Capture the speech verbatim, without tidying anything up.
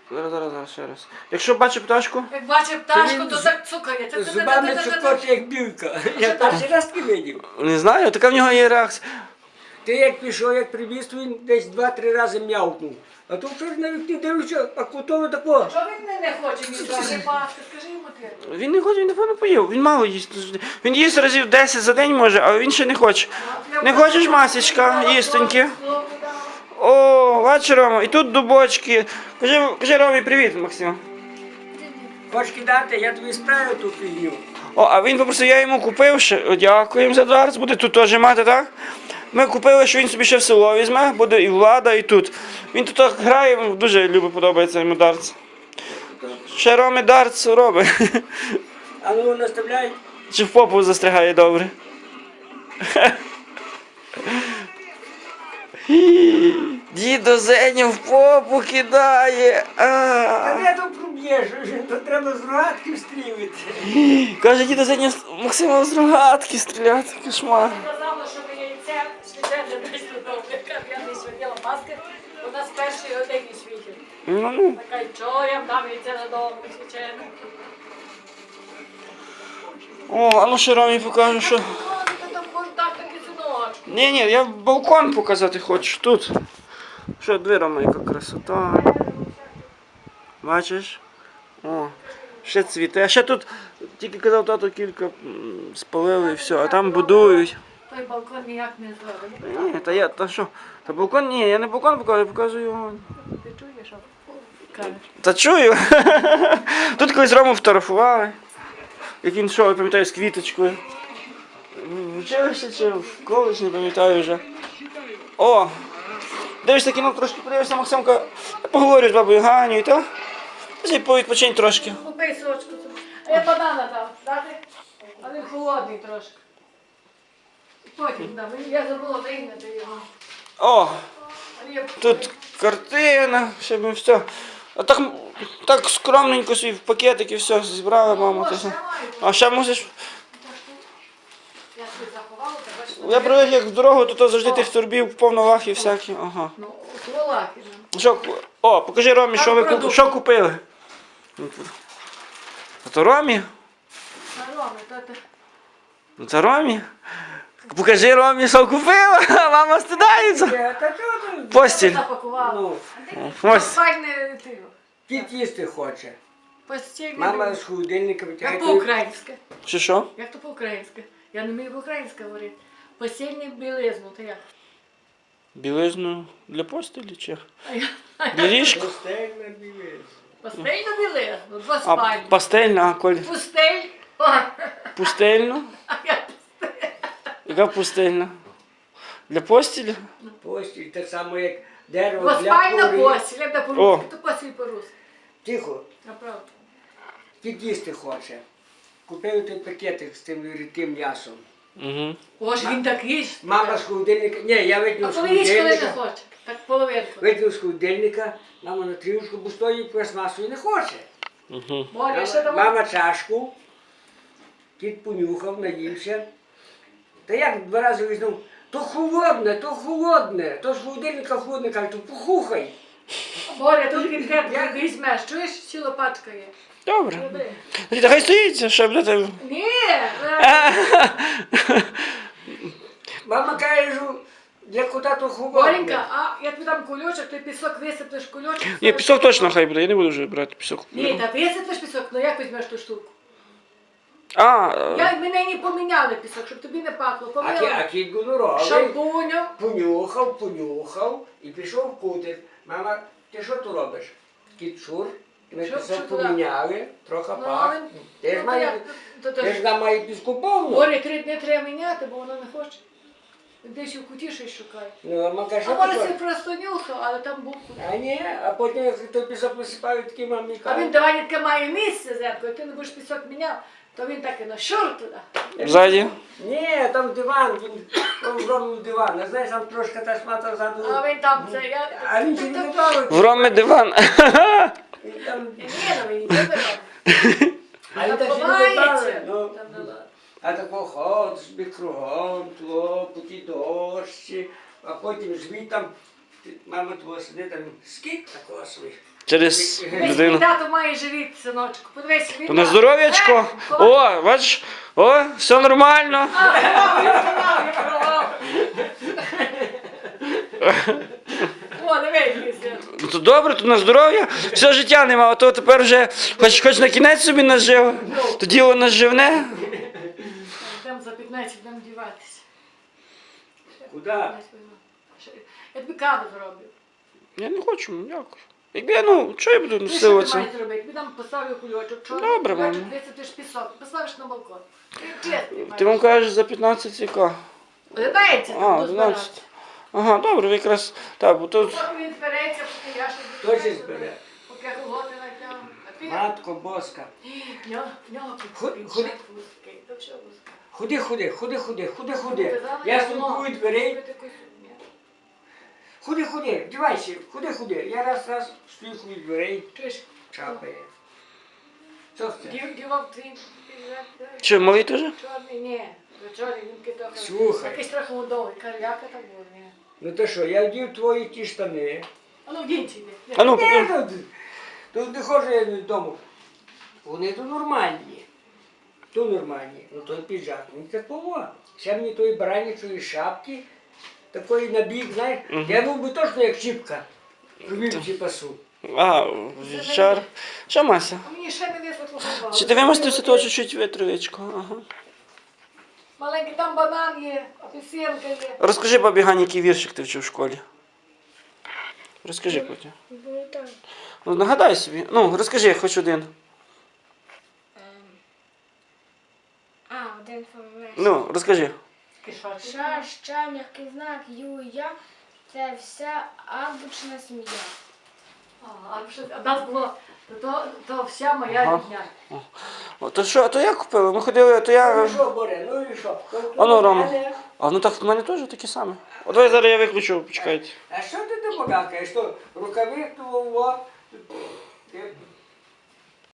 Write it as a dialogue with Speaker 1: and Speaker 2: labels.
Speaker 1: Зараз, зараз, зараз, ще раз. Якщо бачить пташку,
Speaker 2: Як бачив пташку,
Speaker 3: він
Speaker 2: то
Speaker 3: з-
Speaker 2: так цукає. Це- це- це-
Speaker 3: Зубами
Speaker 2: це- це- це-
Speaker 3: цукоче, як білка. Я перший раз не видів.
Speaker 1: не знаю, така в нього є реакція.
Speaker 3: Ти як пішов, як прибіг, то він десь два-три рази м'явкнув. А то вчора на вікні дивлюся, а котово такого.
Speaker 2: Що він не- не хоче ні брати пасти? Скажи йому ти.
Speaker 1: Він не хоче, він напевно поїв, він мало їсть. Він їсть разів десять за день може, а він ще не хоче. Не хочеш, масічка, їстоньки? О, бачиш, Рома, і тут дубочки. Кажи, кажи Ромі привіт, Максим.
Speaker 3: Хочеш кидати, я тобі справлю ту фігню.
Speaker 1: О, а він попросив, я йому купив ще. О, дякуємо за дартс, буде тут теж мати, так? Ми купили, що він собі ще в село візьме, буде і влада, і тут. Він тут так грає, йому дуже любить, подобається йому дартс. Ще Ромі дартс робить.
Speaker 3: А ну наставляй.
Speaker 1: Чи в попу застрягає добре. Дідо Зеню в попу кидає.
Speaker 3: А
Speaker 1: А.
Speaker 3: де то проб'єш? То треба з рогатки стрілити.
Speaker 1: Каже, дідо Зеню Максима з рогатки стріляти. Кошмар.
Speaker 2: Сказала, що ви яйце свячене десь додому. Яка я не святила маски, вона з першої години світить.
Speaker 1: Ну, ну.
Speaker 2: Така, й чого я дам яйце додому свячене?
Speaker 1: О, а ну ще Ромі покажу, що.
Speaker 2: О, ти там можеш дати такі синочки.
Speaker 1: Ні, ні, я балкон показати хочу тут. Що, дві, Рома, яка красота. Бачиш? О, ще цвіте. А ще тут, тільки казав тато, кілька м, спалили і все, а там будують.
Speaker 2: Той балкон ніяк не зробить.
Speaker 1: Ні, та я, та що? Та балкон, ні, я не балкон показую, я показую його.
Speaker 2: Ти чуєш, що кажеш?
Speaker 1: Та чую. Тут колись Рому фотографували. Як він йшов, я пам'ятаю, з квіточкою. В училищі чи в коледж, не пам'ятаю вже. О! Дивишся кіно, трошки подивишся, Максимка. Я поговорю з бабою Ганю, та? Ти повідпочинь трошки.
Speaker 2: Купи сочку. собі. А я банана дам, дати? А він холодний трошки. Потім дам. Я забула вийняти його.
Speaker 1: О!
Speaker 2: А я-
Speaker 1: Тут картина, ще б все. А так, так скромненько собі в пакетик і все зібрала, мама.
Speaker 2: О,
Speaker 1: Ти
Speaker 2: ще
Speaker 1: все.
Speaker 2: маю.
Speaker 1: А ще мусиш.
Speaker 2: Я собі заховала, так бачиш.
Speaker 1: Я привик як в дорогу, то, то завжди тих турбів повно лахів всякі. Ага.
Speaker 2: Ну, сволаки.
Speaker 1: Що, ку- о, покажи Ромі, що ви куп-
Speaker 2: продукт.
Speaker 1: що купили. А то Ромі?
Speaker 2: На Роми, то ти.
Speaker 1: Ну це Ромі. Покажи Ромі, що купила. Мама стидається.
Speaker 3: Та чого ти?
Speaker 1: Постіль.
Speaker 2: Запакувала.
Speaker 3: Ну,
Speaker 1: Ось.
Speaker 2: Файне ти.
Speaker 3: кіт їсти хоче.
Speaker 2: Постільне.
Speaker 3: Мама з холодильника
Speaker 2: Як
Speaker 3: витягає.
Speaker 2: по-українськи.
Speaker 1: Чи що?
Speaker 2: Як то по-українськи? Я не вмію по-українськи говорити. Постільне білизну, то як?
Speaker 1: Білизну для постелі чи?
Speaker 2: А я-
Speaker 1: Для ліжка?
Speaker 3: Пустельна білизна.
Speaker 2: Постільну білизну, два
Speaker 1: А
Speaker 2: спальні.
Speaker 1: пастельна, а коль?
Speaker 2: Пустель. О,
Speaker 1: Пустельну?
Speaker 2: а я
Speaker 1: Яка пустельна? Для постелі?
Speaker 3: Постіль, так само як дерево для
Speaker 2: двоспальна
Speaker 3: кори.
Speaker 2: постіль, як
Speaker 1: О.
Speaker 2: по-русски, то постіль по-русски.
Speaker 3: Тихо,
Speaker 2: Направду.
Speaker 3: кіт їсти хоче. Купив той пакетик з тим рідким м'ясом.
Speaker 1: Угу.
Speaker 2: О, ж він такий. ж.
Speaker 3: Мама з холодильника, ні, я
Speaker 2: А
Speaker 3: витягнув з
Speaker 2: коли їсть, коли не
Speaker 3: холодильника,
Speaker 2: хоче. Так половинку.
Speaker 3: витягнув з холодильника, мама на трішку, бо стоїть пластмасою не хоче.
Speaker 1: Угу.
Speaker 2: Боря, ще
Speaker 3: Мама,
Speaker 2: давай.
Speaker 3: мама чашку, кіт понюхав, наївся. Та як два рази визнав, то холодне, то холодне, то з холодильника холодне, каже, то похухай.
Speaker 2: Боря, тут кінкет візьмеш. Чуєш, ціла пачка є.
Speaker 1: Добре.
Speaker 2: Люби.
Speaker 1: Та хай стоїть, щоб для тебе.
Speaker 2: Ні, е,
Speaker 3: Мама каже, що для кота то холодне.
Speaker 2: Боренька, а я тобі дам кульочок, ти пісок висиплеш кульочок.
Speaker 1: Ні, пісок точно хай буде, я не буду вже брати пісок.
Speaker 2: Ні, та висиплеш пісок, ну як візьмеш ту штуку?
Speaker 1: А,
Speaker 2: Я, ми нині поміняли пісок, щоб тобі не пахло.
Speaker 3: А, кі, а
Speaker 2: Помила
Speaker 3: кіт гоноровий,
Speaker 2: шампунем.
Speaker 3: понюхав, понюхав і пішов в кутик. Мама, ти що тут робиш? Кіт шур, ми
Speaker 2: Що-
Speaker 3: пісок
Speaker 2: що туди?
Speaker 3: поміняли, трохи
Speaker 2: Ну,
Speaker 3: пах.
Speaker 2: але-
Speaker 3: Ти ж
Speaker 2: ну,
Speaker 3: має,
Speaker 2: як? То- то
Speaker 3: ти
Speaker 2: ж-
Speaker 3: ж нам має піску повну.
Speaker 2: Боря, три дні треба міняти, бо воно не хоче. Десь у куті щось шукає.
Speaker 3: Ну, а мама каже,
Speaker 2: А
Speaker 3: що
Speaker 2: може
Speaker 3: ти
Speaker 2: це
Speaker 3: хочеш?
Speaker 2: просто нюхав, але там був кут.
Speaker 3: А ні, а потім як той пісок висипаю, такі мамі
Speaker 2: А він
Speaker 3: кажуть.
Speaker 2: давай таке має місце, зятко, як ти не будеш пісок міняв, то він так і на шур туди.
Speaker 1: ззаді.
Speaker 3: Ні, там диван, він там зробив диван. А знаєш, там трошки та шмата ззаду.
Speaker 2: А він там це, я...
Speaker 3: А він ще не готовий.
Speaker 1: В Ромі диван.
Speaker 3: Він там-
Speaker 2: Ні, ну він не вибрав.
Speaker 3: А він так ще не
Speaker 2: Ховається.
Speaker 3: готовий. Ну,
Speaker 2: Там, ну, ладно.
Speaker 3: а тако ходиш собі кругом, тлопоті, дощі, а потім звідти там, ти- мама твого сидить там, скільки такого собі.
Speaker 1: через
Speaker 2: Дивись,
Speaker 1: людину.
Speaker 2: мій тато має живіт, синочку. Подивись, він
Speaker 1: То на
Speaker 2: має-
Speaker 1: здоров'ячко.
Speaker 2: Е, коли-
Speaker 1: О, бачиш, о, все нормально.
Speaker 2: А, я керував, я керував. О, дивись, Ліся.
Speaker 1: Ну, то добре, то на здоров'я. Все життя нема, а то тепер вже хоч, хоч на кінець собі нажив. То діло наживне.
Speaker 2: Йдемо за п'ятнадцять, будемо діватися.
Speaker 3: Куди?
Speaker 2: Я тобі каву зроблю.
Speaker 1: Я не хочу, дякую. Якби я, ну, що я буду
Speaker 2: Ти що ти
Speaker 1: силуватися?
Speaker 2: маєш зробити? Тобі там поставлю кульочок. чорний
Speaker 1: Добре,
Speaker 2: кульочок,
Speaker 1: мамо.
Speaker 2: висипеш пісок, поставиш на балкон. Ти чесний маєш.
Speaker 1: Ти вам кажеш за п'ятнадцять яка?
Speaker 2: Одинається,
Speaker 1: А,
Speaker 2: там
Speaker 1: одинадцять. Ага, добре, ви якраз. Так, бо тут.
Speaker 2: Поки він збереться, поки я ще
Speaker 3: Хто
Speaker 2: буду
Speaker 3: ще
Speaker 2: збирати,
Speaker 3: збере?
Speaker 2: Поки я колготи натягну. А ти?
Speaker 3: Матко боска.
Speaker 2: В нього, в нього
Speaker 3: Ходи,
Speaker 2: під
Speaker 3: ходи.
Speaker 2: вузький, то все вузьке.
Speaker 3: Ходи, ходи, ходи, ходи, ходи, ходи.
Speaker 2: Казала,
Speaker 3: Я
Speaker 2: що
Speaker 3: стукую
Speaker 2: воно
Speaker 3: дверей.
Speaker 2: робити якусь фігню.
Speaker 3: Ходи, ходи, вдівайся, ходи, ходи. Я раз, раз стукую дверей,
Speaker 2: Чуєш?
Speaker 3: чапає. Що це?
Speaker 2: Дів- Дівав твій піджак, так?
Speaker 1: Що, малий теж?
Speaker 2: Чорний, ні. До чорний, він такий трохи.
Speaker 3: Слухай.
Speaker 2: Якийсь трохи удовий. Карляка там був, ні.
Speaker 3: Ну то що, я вдів твої ті штани.
Speaker 2: А ну, вдінься йди.
Speaker 1: А ну,
Speaker 3: Ні,
Speaker 1: покажи.
Speaker 3: тут, тут не ходжу я додому. Вони то нормальні. То нормальні. Ну той піджак, він такого. Ще мені тої баранячої шапки, такої набік, знаєш, я був би точно як чіпка. Робив ці пасу.
Speaker 1: А, жар. Що, Мася?
Speaker 2: А мені ще не висохло голова.
Speaker 1: Чи ти вимастився того чуть-чуть витривичку? Ага.
Speaker 2: Маленький там банан є, апельсинка є.
Speaker 1: Розкажи бабі Гані, який віршик ти вчив в школі. Розкажи потім. Ну, нагадай собі. Ну, розкажи хоч один.
Speaker 4: А, один формулює.
Speaker 1: Ну, розкажи.
Speaker 2: Кишачий.
Speaker 4: Ша, ща, м'який знак, ю, я. Це вся азбучна сім'я.
Speaker 2: А, а що- а нас було, то, то, то вся моя
Speaker 1: Ага.
Speaker 2: рідня.
Speaker 1: О, то що, то я купила? Ми ходили, то я.
Speaker 3: Ну що, Боре, ну і що?
Speaker 1: А ну, Рома. А ну так в мене теж такі самі. От давай зараз я виключу, почекайте.
Speaker 3: А що ти там багакаєш? Що, рукавиц, того,